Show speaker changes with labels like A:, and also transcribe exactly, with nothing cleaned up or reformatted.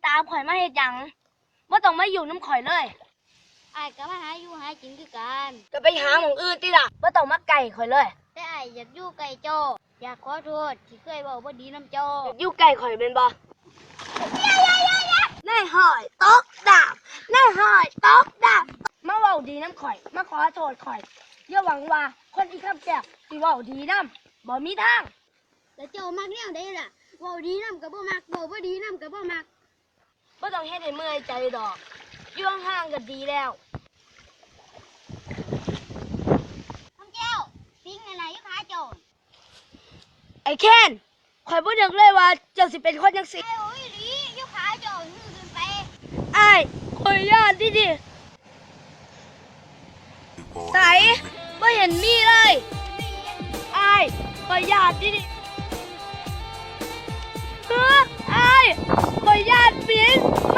A: ตามข่อยมาเฮ็ดหยังบ่ต้องมาอยู่น้ำข่อยเลย
B: ไอ้ก็มาหาอยู่หากินคือกัน
A: ก็ไปหาหม่องอื่นติล่ะบ่ต้องมาไก่ข่อยเลย
B: แต่ไอ้อยากอยู่ไกลโจอยากขอโทษที่เคยบอกว่าดีน้ำโจ
A: อยู่ไก่ข่อยเป็นบ่นายหอยตกดาบนายหอยตกดาบมาเว้าดีน้ำข่อยมาขอโทษข่อยอย่าหวังว่าคนที่คำแก้วสิเว้าดีนำบ่มีทาง
B: แต่โจมักแนวใดล่ะเว้าดีน้ำก็บ่มักเว้าบ่ดีน้ำก็บ่มัก
A: บ่ต้องเฮ็ดให้เมื่อยใจดอกอยู่ห่างๆก็ดีแล้ว
B: คำแก้วปิ้งอะไรอยู่ขาโจ
A: ไอ้แค้นข่อยบ่นึกเลยว่าเจ้าสิเป็นคนจังซี่
B: ไอ้โอ้ยลีอยู่ขาโจมือขึ้นไป
A: อ้ายข่อยย่านดิดิใส่บ่เห็นมีเลยอ้ายข่อยย่านดิดิเฮ้ออ้ายข่อยย่านปิน